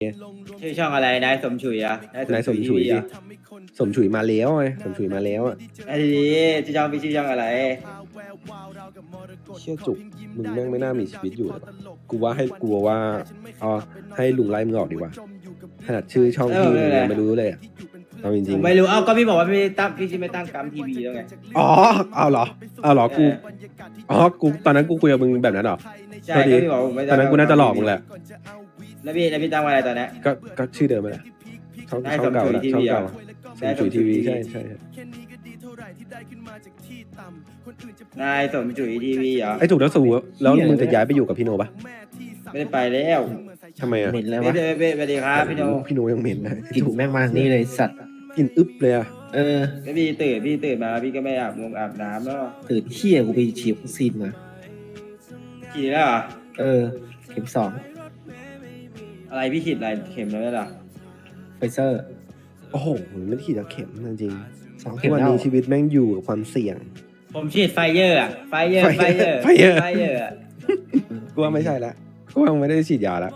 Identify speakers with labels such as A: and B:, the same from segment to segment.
A: ชื่อช่องอะไรนายสมฉุยอ่ะ
B: นายสมฉุย
A: ทีวี
B: ดิ
A: อ่ะ
B: สมฉุยมาแล้วไงสมฉุยมาแล้วอ่ะ
A: ไอ้ดีชื่อช่องพี่ชื่อช่องอะไร
B: เชี่ยจุกมึงแม่งไม่น่ามีชีวิตอยู่เลยวะกูว่าเอาให้ลุงไล่มึงออกดีกว่าขนาดชื่อช่องพี่มึงยังไม่รู้เลยอ่ะเอาจ
A: ผ
B: ริง
A: มไม่รู้เอ้าก็พี่บอกว่าพี่ตั้งพี่ชื่อไม่ตั้งกัมทีวีแล้วไง
B: ๆอ๋อเอาเหรอกูกูตอนนั้นกูคุยกับมึงแบบนั้นเหรอ
A: ใช่
B: ก็ดี
A: ก็พี่บอกผมไม่
B: ตอนนั้นกูน่าจะหลอกมึงแหละ
A: แล้วพี่ตั้งว่าอะไรตอนนี้
B: ก็ชื่อเดิมมาแหละช่อง
A: ได้
B: เก่าแหละ
A: สมฉุย
B: ช่อง
A: TV
B: เก่า
A: อ่ะ
B: สมฉุยทีวีใช่ใช่
A: นายสมฉุยทีวีเหรอ
B: ไอ้ถูกแล้วสูแล้วมึงจะย้ายไปอยู่กับพี่โนปะ
A: ไม่ได้ไปแล้ว
B: ทำไมอ่ะ
C: เหม็นเลยวะ
A: สวัสดีครับพี่โน
B: พี่โนยังเหม็นนะ
C: กลิ่นแม่งมานี่เลยสัตว์
B: กลินอึ๊บเลยอ่ะ
C: เออ
A: แล้วพี่ตื่นมาพี่ก็ไม่อาบน้ำแล้ว
C: ตื่นเที่ยกูไปฉีดวัคซีนมา
A: ฉีดแล้วเหรอ
C: เออ เข็ม
A: อะไรพี่ฉีดอะไรเข็มแล้วเหรอ
C: 2 ไฟเซอร์
B: โอ้โหไม่ได้ขีดยาเข็มจริง
C: 2
B: ๆ
C: เข็
B: ทุก
C: ม
B: วัน
C: แล้ว
B: นี้ชีวิตแม่งอยู่กับความเสี่ยง
A: ผมฉีดไฟเยอร์อะไฟเยอร์
B: Fire
A: อะ
B: กูว่าไม่ใช่ละกูว่าไม่ได้ฉีดยาละ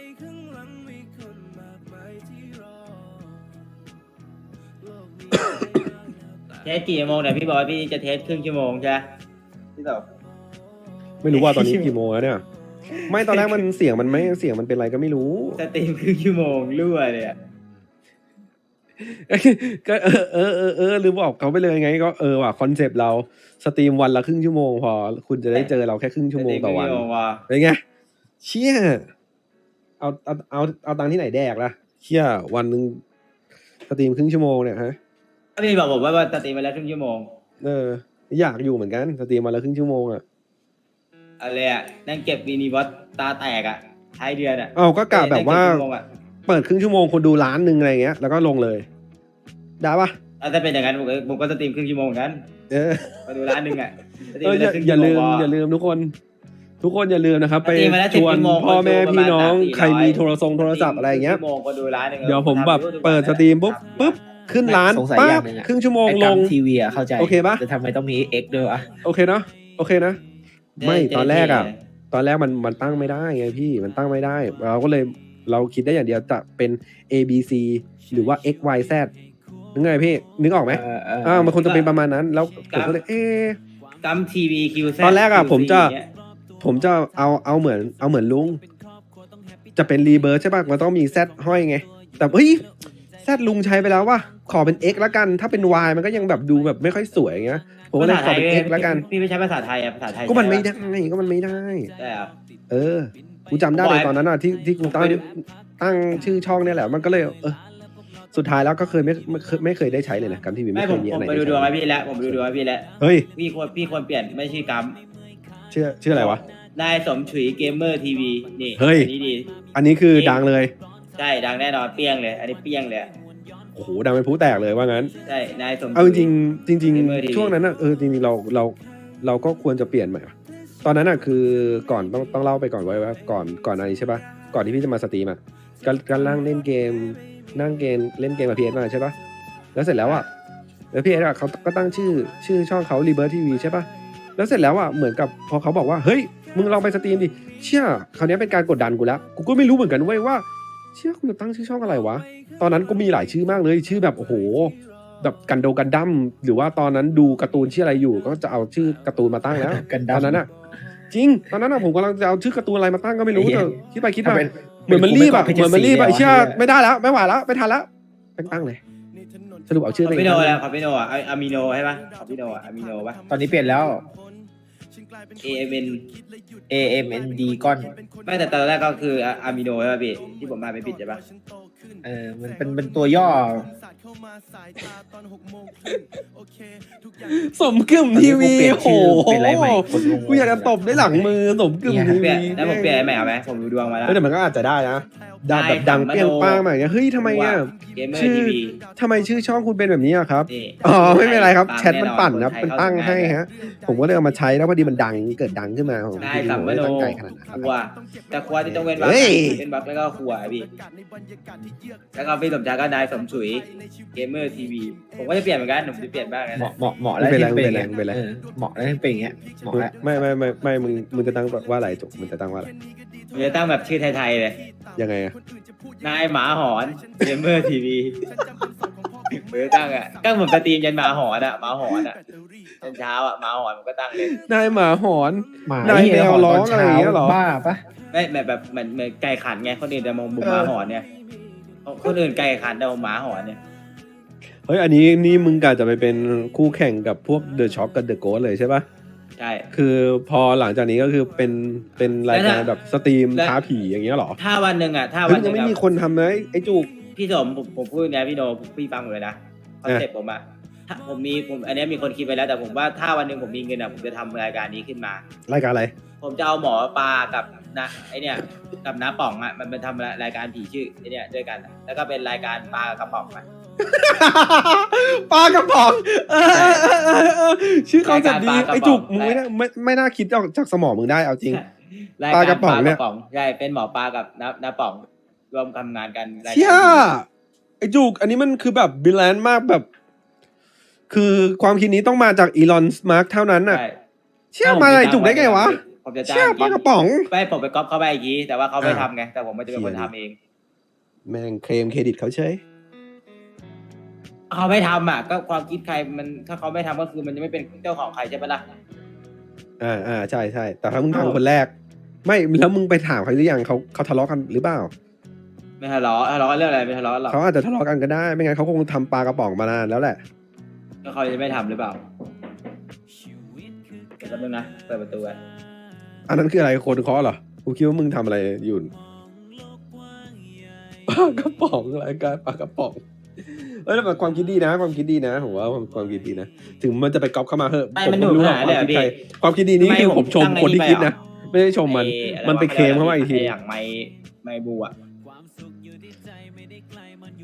A: เทสกี่โมงเนี่ยพี่บอกว่าพี่จะเทสครึ่งชั่วโมงใช่ไหมพี่ตอบ
B: ไม่รู้ว่าตอนนี้กี่โมงแล้วเนี่ย ไม่ตอนแรกมันเสียงมันเป็นอะไรก็ไม่รู้
A: สตรีมครึ่งชั่วโมงรั่วเลยอะ
B: ก็ลืมบอกเขาไปเลยไงก็ว่ะคอนเซปต์เราสตรีมวันละครึ่งชั่วโมงพอคุณจะได้เจอเราแค่ครึ่งชั่วโมงต่อวัน
A: สตรีมครึ่งชั่วโมงว่ะ
B: เป็นไงเชี่ยเอาตังค์ที่ไหนแดกล่ะเชี่ยวันหนึ่งสตรีมครึ่งชั่วโมงเนี่ยฮะ
A: ถ้าพี่บอกผมว่าสตรีมไปแล้วครึ่งชั่วโมง
B: อยากอยู่เหมือนกันสตรีมวันละครึ่งชั่วโมงอ่ะ
A: อะไรอะนั่งเก็บมินิบอสตาแตกอะท้ายเดือนอะ
B: เอาก็กะแบบว่า
A: นั่งเก็ครึ่งชั่โมงอะ
B: เปิดครึ่งชั่วโมงคนดูล้านหนึ่งอะไรเงี้ยแล้วก็ลงเลยได้ปะ
A: ถ้าเป็นอย่างนั้นผมก็สตรีมครึ่งชั่วโมงเหมือนกัน
B: เออ
A: มาดูร้านหนึ่งอะสตรีม
B: เออ
A: ไปแล้วครึ่ง
B: อย่า
A: ชั่วโม
B: ลื
A: ง
B: ม
A: พอ
B: อย่าลืมทุกคนอย่าลืมนะครับ ไป
A: สตรีมมาแล้ว
B: ชวน
A: 10ชั่วโมง
B: พ่อแม่
A: คนดู
B: พี่น้อง
A: ประมาณ300-400
B: ใครมีโทรศัพท์อะไรเงี้ย
A: ครึ่ชั่วโมงก็ดูร้านหนึ่ง
B: เดี๋ยวผมแบบเปิดสตรีมปุ๊บขึ้นร้าน
C: สงสัย
B: ปั๊
C: อย่า
B: บ
C: งหนึ่งอะ
B: ครึ่งชั่วโมง
C: ไอ้
B: ล
C: กั
B: ง
C: มทีวีอะเข้าใจ
B: โอเคปะ
C: แต่ทำไมต้องมี X ด้วยวะ
B: โอเคนะไม่ตอนแรกมันตั้งไม่ได้ไงพี่มันตั้งไม่ได้เราคิดได้อย่างเดียวจะเป็น A B C หรือว่า X Y Z นึกไงพี่นึกออกไหมมันคงจะเป็นประมาณนั้นแล้วผมก็เลย
A: กัมทีวีคิว
B: ตอนแรกอะผมจะเอาเหมือนลุงจะเป็นรีเบิร์ใช่ป่ะมันต้องมี Z ห้อยไงแต่เฮ้ย Z ลุงใช้ไปแล้วว่ะขอเป็น X ละกันถ้าเป็น Y มันก็ยังแบบดูแบบไม่ค่อยสวยอย่างเงี้ยผมก็เลยขอเป็น X ละกัน
A: พี่ไม่ใช้ภาษาไทยอะภาษาไทย
B: ก็มันไม่ได้
A: ได้เหรอ
B: กูจำได้เลยตอนนั้นอ่ะที่กูตั้งชื่อช่องเนี่ยแหละมันก็เลยสุดท้ายแล้วก็เคยไม่เคยได้ใช้เลยนะกัมทีวี
A: ไม่
B: ไม่
A: ผ
B: เค
A: ม
B: ยมีอะไร
A: ไปดูดวงให้พี่แล้วผมดูดวงให้พี่แล้ว
B: เฮ้ย
A: พี่ควรเปลี่ยนไม่ชื่อกัม
B: ชื่ออะไรวะ
A: นายสมฉุยเกมเมอร์ทีวีนี่
B: เฮ้ย
A: อันนี้ดี
B: อันนี้คือดังเลย
A: ใช่ดังแน่นอนเปี้ยงเลย อันนี้เปี้ยงเลย
B: โอ้โหดังเป็นผู้แตกเลยว่างั้น
A: ใช่นายสมฉุย
B: เอาจริงๆ
A: Gamer TV
B: ช่วงนั้นอ่ะจริงๆเราก็ควรจะเปลี่ยนใหม่ว่ะตอนนั้นอ่ะคือก่อนต้องเล่าไปก่อนไว้ว่าก่อนอะไรใช่ป่ะก่อนที่พี่จะมาสตรีมอ่ะก็นั่งเล่นเกมเล่นเกมกับพีเอสมาใช่ป่ะแล้วเสร็จแล้วอ่ะแล้วพีเอสอ่ะเขาก็ตั้งชื่อช่องเขา Rebirth TV ใช่ป่ะแล้วเสร็จแล้วอ่ะเหมือนกับพอเขาบอกว่าเฮ้ยมึงลองไปสตรีมดิเชี่ยคราวนี้เป็นการกดดันกูแล้วกูก็ไม่รู้เหมือนกันเว้ยว่าเชี่ยคุณจะตั้งชื่อช่องอะไรวะตอนนั้นก็มีหลายชื่อมากเลยชื่อแบบโอ้โหแบบกันดั้มหรือว่าตอนนั้นดูการ์ตูนชื่ออะไรอยู่ก็จะเอาชื่อการ์ตูนมาตั้งแล้ว
C: กันดั้
B: ต
C: ม
B: อนนั้นอ่ะจริงตอนนั้นอ่ะผมกำลังจะเอาชื่อการ์ตูนอะไรมาตั้งก็ไม่รู้
C: ไอ้เหี้
B: แต่
C: ย
B: คิดไปมา
C: เป็น
B: เหมือนมันรีบอ่ะ
C: เป็น
B: เหมือนมันรีบอ่ะ
C: เป็น
B: เชื่อ
C: เสีย
B: ไม่ได้แล้วไม่ไหวแล้วไม่ทันแล้วตั้งเลยสรุปเอาชื่อ
A: ข
B: ไป
A: อพี่โนแล้วขอพี่โนอะอามิโนใช่ปะขอพี่โนอะอามิโนปะ
C: ตอนนี้เปลี่ยนแล้ว
A: AMN
C: AMND ก้อน
A: ไม่แต่ตอนแรกก็คืออามิโนใช่ปะพี่ที่ผมมาไม่ผิดใช่ปะ
C: มันเป็นตัวย่อ
B: สมกึ่มทีวี
C: ตอนนี้กูเปลี่ยนชื่อเป็นอะไรใหม่คนงง
B: กูอยากจะตบด้วยหลังมือสมกึ่มที
A: เปลี่
B: วี
A: ยนแล้วผมเปลี่ยนใหม่เอาไหมผมดูดวงมาแล้ว
B: แต่มันก็อาจจะได้นะดังแบบดังเปรี้ยงป้างมาอย่างเงี้ยเฮ้ยทำไมอ่ะ
A: เกมเมอร์
B: ชื่อ
A: ทีวี
B: ทำไมชื่อช่องคุณเป็นแบบนี้อะครับ
A: นี่
B: อ๋อไม่เป็นไรครับ
A: ปัง
B: แชทมันปั่นนะ
A: แอ
B: เป็นตั้งให้ฮะ ผมก็เลยเอามาใช้แล้วพอดีมันดังเกิดดังขึ้นมาผม
A: นายสัมม
B: ไม่
A: โน
B: ได้ตั้งใจขนาดนั้น
A: ครัวแต่ครัวที่ต้องเว้นบัก
B: เฮ้ย
A: เป็นบักแล้วก็ครัวพี่แล้วก็พี่สมชายก็นายสมฉุยเกมเมอร์ทีวีผมก็จะเปลี่ยนเหมือนกันผมจะเปลี่ยนบ้างนะ
C: เหมาะแล้วที่เป็นอย่างเงี้ยเหมาะแล้วที่เป็นอย่างเงี้ยเหมาะแล้ว
B: ไม่มึงจะตั้งว่าอะไรจุกมึงจะตั้งว่าอะไร
A: ผมจะตั้งแบบชื่อไทยๆเลย
B: ยังไงอะ
A: นายหมาหอนเกมเมอร์ทีวีผมจะตั้งอะตั้งเหมือนสตรีมยันหมาหอนอะหมาหอนอะตอนเช้าอะหมาหอนผมก็ตั้งเลย
B: นายหมาหอน
C: หมาน
B: าย
C: เหี้
B: แมว
C: หน
B: ร้อง
C: ตน
B: อะไรอย่างเงี้ยเหรอ
C: บ้าปะ
A: ไม่แบบเหมือนไก่ขันไงคนอื่นจะมองบุกหมาหอนเนี่ยคนอื่นไก่ขันแต่ผมหมาหอนเนี่ย
B: เฮ้ยอันนี้นี่มึงกะจะไปเป็นคู่แข่งกับพวกเดอะช็อคกับเดอะโกสเลยใช่ปะ
A: ใช่
B: คือพอหลังจากนี้ก็คือเป็นรายการแบบสตรีมท้าผีอย่างเงี้ยเหรอ
A: ถ้าวันหนึ่งอะถ้า
B: เฮ้
A: วั
B: ย
A: นห
B: ยั
A: นึ่
B: ง
A: ง
B: ไม่
A: อะ
B: มีคนทำเลยไอ้จุก
A: พี่สมผมพูดนะพี่โนพี่ฟังผมเลยนะคอนเซ็ปต์ผมอะถ้าผมอันเนี้ยมีคนคิดไปแล้วแต่ผมว่าถ้าวันหนึ่งผมมีเงินอะผมจะทำรายการนี้ขึ้นมา
B: รายการอะไร
A: ผมจะเอาหมอปลากับนะไอเนี่ยกับน้าป่องอะมันเป็นทำรายการผีชื่อไอเนี่ยด้วยกันอะแล้วก็เป็นรายการปลากระป๋องอะ
B: ปลากระป๋องชื่อเขาจะดี
A: รายการปลากระป๋อง
B: ไอ้จุกมึงไม่น่าคิดออกจากสมองมึงได้เอาจริง
A: ราย
B: ป
A: การ
B: ลากระป๋องเนี่ย
A: ใช่เป็นหมอปลากับน้าป่องรวมทำงานกันรายการ
B: เชี่ยไอ้จุกอันนี้มันคือแบบบิลแลนด์มากแบบ คือความคิดนี้ต้องมาจากอีลอนมาร์กเท่านั้นน่ะ
A: ใช่
B: เชี่ยมาไอ้จุกได้ไงวะ
A: ผมจะจ้า
B: เชี่ย
A: ง
B: ปลากระป๋อง
A: ไปผมไปก๊อปเขาไปอีกทีแต่ว่าเขาไม่ทำไงแต่ผมมันจะเป็นคนทำเอง
B: แม่งเคลมเครดิตเขาเฉย
A: เขาไม่ทำอ่ะก็ความคิดใครมันถ้าเขาไม่ทำก็คือมันจะไม่เป็นเจ้าของใครใช่ปะล่ะ
B: ใช่ใช่แต่ถ้ามึงทำคนแรก ไม่แล้วมึงไปถามเขาหรือยังเขาทะเลาะกันหรือเปล่า
A: ไม่ทะเลาะกันเรื่องอะไรไม่ทะเลาะหรอก
B: เขาอาจจะทะเลาะกันก็ได้ไม่งั้นเขาคงทำปลากระป๋องมานานแล้วแหละ
A: ก็เขาจะไม่ทำหรือเปล่าเดี๋ยวแป๊บนึงนะเปิดประตูไว้
B: อันนั้นคืออะไรคนเคาะเหรอกูคิดว่ามึงทำอะไรอยู่ปลากระป๋องรายการปลากระป๋องเอ้ยแต่ความคิดดีนะความคิดดีนะผมว่าความคิดดีนะถึงมันจะไปก๊อปเข้ามาเหอะ
A: ไม่
B: ผม
A: มัน
B: ก็
A: ดู
B: ไม่รู้หร
A: หา
B: อก
A: เลยเหรอพี่
B: ความคิดดีนี้คือผมชม
A: ตั้ง
B: คนที่
A: ไอ้
B: คิด
A: ไปเหรอ
B: นะไม่ได้ชมมัน
A: ไอ้
B: มันไปเคลมเข้ามาอีกที
A: ไอย่างไม่บูอ่ะ